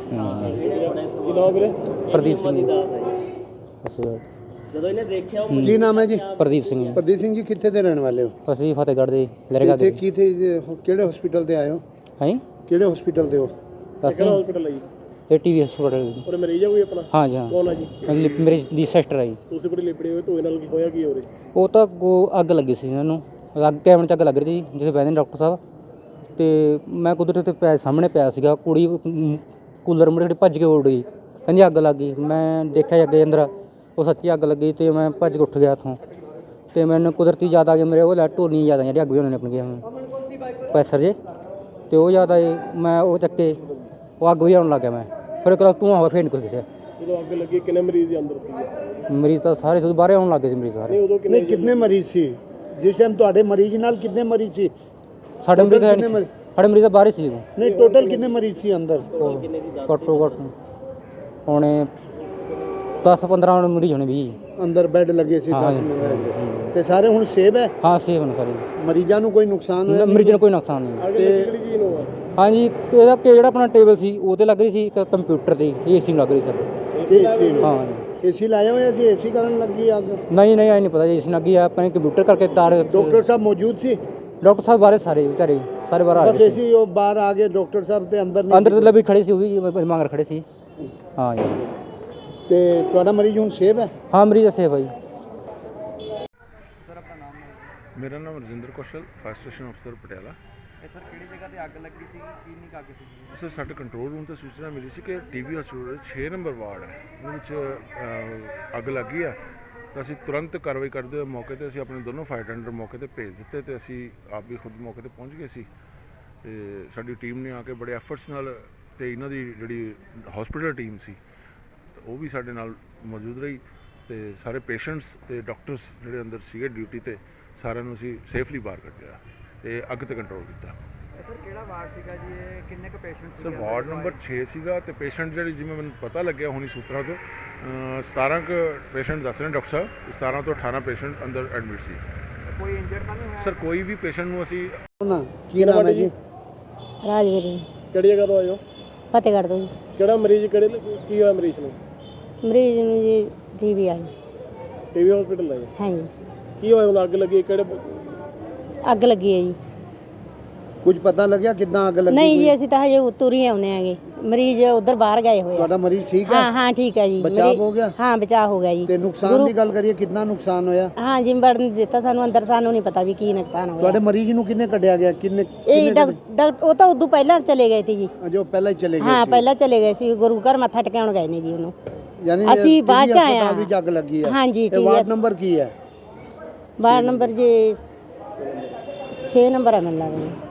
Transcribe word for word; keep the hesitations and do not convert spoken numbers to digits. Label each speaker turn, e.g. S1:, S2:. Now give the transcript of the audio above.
S1: ਕੀ ਨਾਮ ਵੀਰੇ?
S2: ਪ੍ਰਦੀਪ ਸਿੰਘ ਅਸੀਂ
S1: ਜਦੋਂ ਇਹਨੇ ਦੇਖਿਆ ਉਹ
S3: ਕੀ ਨਾਮ ਹੈ ਜੀ?
S2: ਪ੍ਰਦੀਪ ਸਿੰਘ ਜੀ।
S3: ਪ੍ਰਦੀਪ ਸਿੰਘ ਜੀ ਕਿੱਥੇ ਦੇ ਰਹਿਣ ਵਾਲੇ ਹੋ?
S2: ਅਸੀਂ ਫਤਿਹਗੜ੍ਹ ਦੇ ਲਰੇਗਾ
S3: ਇੱਥੇ
S2: ਦੇ
S3: ਕਿਥੇ ਕਿਹੜੇ ਹਸਪੀਟਲ ਤੇ ਆਏ ਹੋ?
S2: ਹੈ
S3: ਕਿਹੜੇ ਹਸਪੀਟਲ ਤੇ ਹੋ?
S2: ਅਸੀਂ
S1: ਹਸਪੀਟਲ ਹੈ ਜੀ?
S2: ਇਹ ਟੀਵੀ ਹਸਪੀਟਲ।
S1: ਔਰ ਮਰੀਜ਼ ਹੈ ਕੋਈ ਆਪਣਾ?
S2: ਹਾਂ ਜੀ ਹਾਂ।
S1: ਕੌਣ ਹੈ ਜੀ?
S2: ਲਿਪ- ਮੇਰੀ ਦੀ ਸਿਸਟਰ ਆ ਜੀ।
S1: ਤੁਸੀਂ ਬੜੀ ਲਿਪੜੀ ਹੋਏ ਧੋਏ ਨਾਲ ਕੀ ਹੋਇਆ ਕੀ ਹੋ ਰਿਹਾ?
S2: ਉਹ ਤਾਂ ਅੱਗੋਂ ਅੱਗ ਲੱਗੀ ਸੀ ਇਹਨਾਂ ਨੂੰ, ਅੱਗ ਕੈਬਨ 'ਚ ਅੱਗ ਲੱਗ ਰਹੀ ਸੀ ਜਿੱਥੇ ਬਹਿੰਦੇ ਨੇ ਡਾਕਟਰ ਸਾਹਿਬ। ਤੇ ਮੈਂ ਕੁਦਰਤ ਤੇ ਪਿਆ ਸਾਹਮਣੇ ਪਿਆ ਸੀਗਾ, ਕੁੜੀ ਕੂਲਰ ਮੁੜੇ ਭੱਜ ਕੇ ਉੱਡ ਗਈ, ਕਹਿੰਦੀ ਅੱਗ ਲੱਗ ਗਈ। ਮੈਂ ਦੇਖਿਆ ਅੱਗੇ ਅੰਦਰ ਉਹ ਸੱਚੀ ਅੱਗ ਲੱਗੀ ਤੇ ਮੈਂ ਭੱਜ ਕੇ ਉੱਠ ਗਿਆ ਉੱਥੋਂ। ਤੇ ਮੈਨੂੰ ਕੁਦਰਤੀ ਯਾਦ ਆ ਗਈ ਮੇਰੇ ਉਹ ਲੈ ਢੋਲੀਆਂ ਯਾਦ ਆ ਜਿਹੜੀ ਅੱਗ ਵੀ ਉਹਨਾਂ ਨੇ ਆਪਣੀ ਪੈਸਰ ਜੇ ਤੇ ਉਹ ਯਾਦ ਆਏ। ਮੈਂ ਉਹ ਚੱਕੇ ਉਹ ਅੱਗ ਵੀ ਆਉਣ ਲੱਗ ਗਿਆ। ਮੈਂ ਫਿਰ ਇੱਕ ਧੂੰਆਂ ਹੋਇਆ, ਫਿਰ ਨਹੀਂ ਕੁਛ ਦਿਸਿਆ।
S1: ਜਦੋਂ ਅੱਗ ਲੱਗੀ ਕਿੰਨੇ ਮਰੀਜ਼ ਦੇ ਅੰਦਰ ਸੀਗੇ?
S2: ਮਰੀਜ਼ ਤਾਂ ਸਾਰੇ ਤੋਂ ਬਾਹਰ ਆਉਣ ਲੱਗ ਗਏ ਸੀ ਮਰੀਜ਼ ਸਾਰੇ।
S1: ਨਹੀਂ ਉਦੋਂ ਕਿੰਨੇ
S3: ਨਹੀਂ ਕਿੰਨੇ ਮਰੀਜ਼ ਸੀ ਜਿਸ ਟਾਈਮ ਤੁਹਾਡੇ ਮਰੀਜ਼ ਨਾਲ? ਕਿੰਨੇ ਮਰੀਜ਼ ਸੀ?
S2: ਸਾਡੇ ਮਰੀਜ਼ ਹੈ
S3: ਕਿੰਨੇ
S2: ਨਹੀਂ ਸੀ। ਸਾਡੇ ਮਰੀਜ਼ ਤਾਂ ਬਾਹਰ ਹੀ ਸੀ ਉਦੋਂ।
S3: ਨਹੀਂ ਟੋਟਲ ਕਿੰਨੇ ਮਰੀਜ਼ ਸੀ ਅੰਦਰ?
S2: ਘੱਟੋ ਘੱਟ ਹੋਣੇ ਦਸ ਪੰਦਰਾਂ ਮਰੀਜ਼ ਹੋਣੇ ਵੀ।
S3: ਅੰਦਰ ਬੈੱਡ ਲੱਗੇ ਸੀ
S2: ਹਾਂ
S3: ਦਸ
S2: ਜੀ।
S3: ਮਿੰਟ ਤੇ ਸਾਰੇ ਹੁਣ ਸੇਵ ਹੈ?
S2: ਹਾਂ ਸੇਫ ਨੇ ਸਾਰੇ।
S3: ਮਰੀਜ਼ਾਂ ਨੂੰ ਕੋਈ ਨੁਕਸਾਨ ਹੋਇਆ?
S2: ਮਰੀਜ਼ ਨੂੰ ਕੋਈ ਨੁਕਸਾਨ ਨਹੀਂ।
S1: ਅੱਗ ਲੱਗੀ ਕਿਹੜੀ ਚੀਜ਼ ਨੂੰ ਆ?
S2: ਹਾਂਜੀ ਇਹਦਾ ਕਿ ਜਿਹੜਾ ਆਪਣਾ ਟੇਬਲ ਸੀ ਉਹ ਤੇ ਲੱਗ ਰਹੀ ਸੀ, ਇੱਕ ਕੰਪਿਊਟਰ ਤੇ ਏਸੀ ਨੂੰ ਲੱਗ ਰਹੀ ਸੀ।
S3: ਏਸੀ ਨੂੰ?
S2: ਹਾਂ
S3: ਏਸੀ ਲਾਇਆ ਹੋਇਆ ਸੀ, ਏਸੀ ਕਾਰਨ ਲੱਗੀ ਅੱਗ?
S2: ਨਹੀਂ ਨਹੀਂ ਐ ਨਹੀਂ ਪਤਾ ਏਸੀ ਲੱਗੀ ਆ ਆਪਣੇ ਕੰਪਿਊਟਰ ਕਰਕੇ ਤਾਰ।
S3: ਡਾਕਟਰ ਸਾਹਿਬ ਮੌਜੂਦ ਸੀ?
S2: ਡਾਕਟਰ ਸਾਹਿਬ ਬਾਰੇ ਸਾਰੇ ਵਿਚਾਰੇ ਸਾਰੇ ਬਾਹਰ ਆ
S3: ਬਸ
S2: ਗਏ ਸੀ।
S3: ਏਸੀ ਉਹ ਬਾਹਰ ਆ ਗਏ, ਡਾਕਟਰ ਸਾਹਿਬ ਤੇ ਅੰਦਰ ਨਹੀਂ?
S2: ਅੰਦਰ ਤੇ ਵੀ ਖੜੇ ਸੀ, ਉਹ ਵੀ ਮੰਗਰ ਖੜੇ ਸੀ। ਹਾਂ ਜੀ।
S3: ਤੇ ਤੁਹਾਡਾ ਮਰੀਜ਼ ਹੁਣ ਸੇਵ ਹੈ?
S2: ਹਾਂ ਮਰੀਜ਼ ਸੇਫ ਹੈ ਜੀ।
S4: ਮੇਰਾ ਨਾਮ ਰਜਿੰਦਰ ਕੌਸ਼ਲ, ਫਾਇਰ ਸਟੇਸ਼ਨ ਅਫਸਰ ਪਟਿਆਲਾ।
S5: ਇਹ ਸਰ ਕਿਹੜੀ ਜਗ੍ਹਾ ਤੇ ਅੱਗ ਲੱਗੀ ਸੀ? ਕਿੰਨੀ ਕੁ ਅੱਗ ਸੀ?
S4: ਸਰ ਸਾਡੇ ਕੰਟਰੋਲ ਰੂਮ ਤੋਂ ਸੂਚਨਾ ਮਿਲੀ ਸੀ ਕਿ ਟੀਵੀ ਹਸਪੀਟਲ ਛੇ ਨੰਬਰ ਵਾਰਡ ਹੈ, ਉਹਦੇ ਵਿੱਚ ਅ, ਅੱਗ ਲੱਗੀ ਆ। ਤਾਂ ਅਸੀਂ ਤੁਰੰਤ ਕਾਰਵਾਈ ਕਰਦੇ ਹੋਏ ਮੌਕੇ ਤੇ ਅਸੀਂ ਆਪਣੇ ਦੋਨੋਂ ਫਾਇਰ ਟੈਂਡਰ ਮੌਕੇ ਤੇ ਭੇਜ ਦਿੱਤੇ ਤੇ ਅਸੀਂ ਆਪ ਵੀ ਖੁਦ ਮੌਕੇ ਤੇ ਪਹੁੰਚ ਗਏ ਸੀ। ਤੇ ਸਾਡੀ ਟੀਮ ਨੇ ਆ ਕੇ ਬੜੇ ਐਫਰਟਸ ਨਾਲ ਤੇ ਇਹਨਾਂ ਦੀ ਜਿਹੜੀ ਹਸਪੀਟਲ ਟੀਮ ਸੀ ਉਹ ਵੀ ਸਾਡੇ ਨਾਲ ਮੌਜੂਦ ਰਹੀ ਤੇ ਸਾਰੇ ਪੇਸ਼ੈਂਟਸ ਤੇ ਡਾਕਟਰਸ ਜਿਹੜੇ ਅੰਦਰ ਸੀਗੇ ਡਿਊਟੀ ਤੇ ਸਾਰਿਆਂ ਨੂੰ ਅਸੀਂ ਸੇਫਲੀ ਬਾਹਰ ਕੱਢਿਆ ਤੇ ਅੱਗ ਤੇ ਕੰਟਰੋਲ ਕੀਤਾ।
S5: ਸਰ ਕਿਹੜਾ ਵਾਰਡ ਸੀਗਾ ਜੀ ਇਹ? ਕਿੰਨੇ ਕੁ ਪੇਸ਼ੈਂਟ ਸੀ?
S4: ਸਰ ਵਾਰਡ ਨੰਬਰ ਛੇ ਸੀਗਾ ਤੇ ਪੇਸ਼ੈਂਟ ਜਿਹੜੇ ਜਿਵੇਂ ਮੈਨੂੰ ਪਤਾ ਲੱਗਿਆ ਹੁਣੀ ਸੂਤਰਾਂ ਤੋਂ ਸਤਾਰਾਂ ਕੁ ਪੇਸ਼ੈਂਟ ਦੱਸ ਰਹੇ ਡਾਕਟਰ ਸਾਹਿਬ, ਸਤਾਰਾਂ ਤੋਂ ਅਠਾਰਾਂ ਪੇਸ਼ੈਂਟ ਅੰਦਰ ਐਡਮਿਟ ਸੀ।
S5: ਕੋਈ ਇੰਜਰਡ ਤਾਂ ਨਹੀਂ ਹੋਇਆ?
S4: ਸਰ ਕੋਈ ਵੀ ਪੇਸ਼ੈਂਟ ਨੂੰ ਅਸੀਂ
S3: ਨਾ ਕੀ ਨਾਮ ਹੈ ਜੀ?
S6: ਰਾਜਵੀਰ ਜੀ,
S1: ਕਿਹੜੀ ਜਗ੍ਹਾ ਤੋਂ ਆਏ ਹੋ?
S6: ਫਤਿਹਗੜ੍ਹ ਤੋਂ ਜੀ।
S1: ਕਿਹੜਾ ਮਰੀਜ਼ ਕਿਹੜੇ ਕੀ ਹੋਇਆ ਮਰੀਜ਼ ਨੂੰ?
S6: ਮਰੀਜ਼ ਨੂੰ ਜੀ ਟੀਵੀ ਆਈ।
S1: ਟੀਵੀ ਹਸਪੀਟਲ ਆਏ?
S6: ਹਾਂ ਜੀ।
S1: ਕੀ ਹੋਇਆ ਹੁਣ? ਅੱਗ ਲੱਗੀ ਕਿਹੜੇ?
S6: ਅੱਗ ਲੱਗੀ ਹੈ ਜੀ।
S3: ਕੁਝ ਪਤਾ ਲੱਗਿਆ ਕਿੱਦਾਂ ਅੱਗ ਲੱਗੀ?
S6: ਨਹੀਂ ਜੀ ਅਸੀਂ ਤਾਂ ਹਜੇ ਉਤਰ ਹੀ ਆਉਨੇ ਆਂਗੇ, ਮਰੀਜ਼ ਉਧਰ ਬਾਹਰ ਗਏ ਹੋਏ ਆ।
S3: ਤੁਹਾਡਾ ਮਰੀਜ਼ ਠੀਕ ਹੈ?
S6: ਹਾਂ ਹਾਂ ਠੀਕ ਹੈ ਜੀ।
S3: ਬਚਾਅ
S6: ਮਰੀਜ਼-
S3: ਹੋ ਗਿਆ?
S6: ਹਾਂ ਬਚਾਅ ਹੋ ਗਿਆ ਜੀ।
S3: ਤੇ ਨੁਕਸਾਨ ਦੀ ਗੱਲ ਕਰੀਏ ਕਿੰਨਾ ਨੁਕਸਾਨ ਹੋਇਆ?
S6: ਹਾਂ ਜੀ ਵੜਨ ਦਿੱਤਾ ਸਾਨੂੰ ਅੰਦਰ, ਸਾਨੂੰ ਨਹੀਂ ਪਤਾ ਵੀ ਕੀ ਨੁਕਸਾਨ ਹੋਇਆ।
S3: ਤੁਹਾਡੇ ਮਰੀਜ਼ ਨੂੰ ਕਿੰਨੇ ਕੱਢਿਆ ਗਿਆ? ਕਿੰਨੇ
S6: ਇਹ ਡਾਕਟਰ ਉਹ ਤਾਂ ਉਦੋਂ ਪਹਿਲਾਂ ਚਲੇ ਗਏ ਸੀ ਜੀ।
S3: ਜੋ ਪਹਿਲਾਂ ਹੀ ਚਲੇ ਗਏ
S6: ਹਾਂ
S3: ਸੀ?
S6: ਪਹਿਲਾਂ ਚਲੇ ਗਏ ਸੀ, ਗੁਰੂ ਘਰ ਮੱਥਾ ਟਿਕਾਉਣ ਗਏ ਨੇ ਜੀ ਉਹਨੂੰ।
S3: ਯਾਨੀ
S6: ਅਸੀਂ ਬਾਅਦ ਚ ਆਏ
S3: ਆ
S6: ਹਾਂ।
S3: ਵੀ ਜੱਗ ਲੱਗੀ ਹੈ?
S6: ਹਾਂ ਜੀ।
S3: ਤੇ ਵਾਰਡ ਨੰਬਰ ਕੀ ਹੈ?
S6: ਵਾਰਡ ਨੰਬਰ ਜੀ ਛੇ ਨੰਬਰ ਹੈ ਮੈਨੂੰ ਲੱਗਦਾ ਜੀ।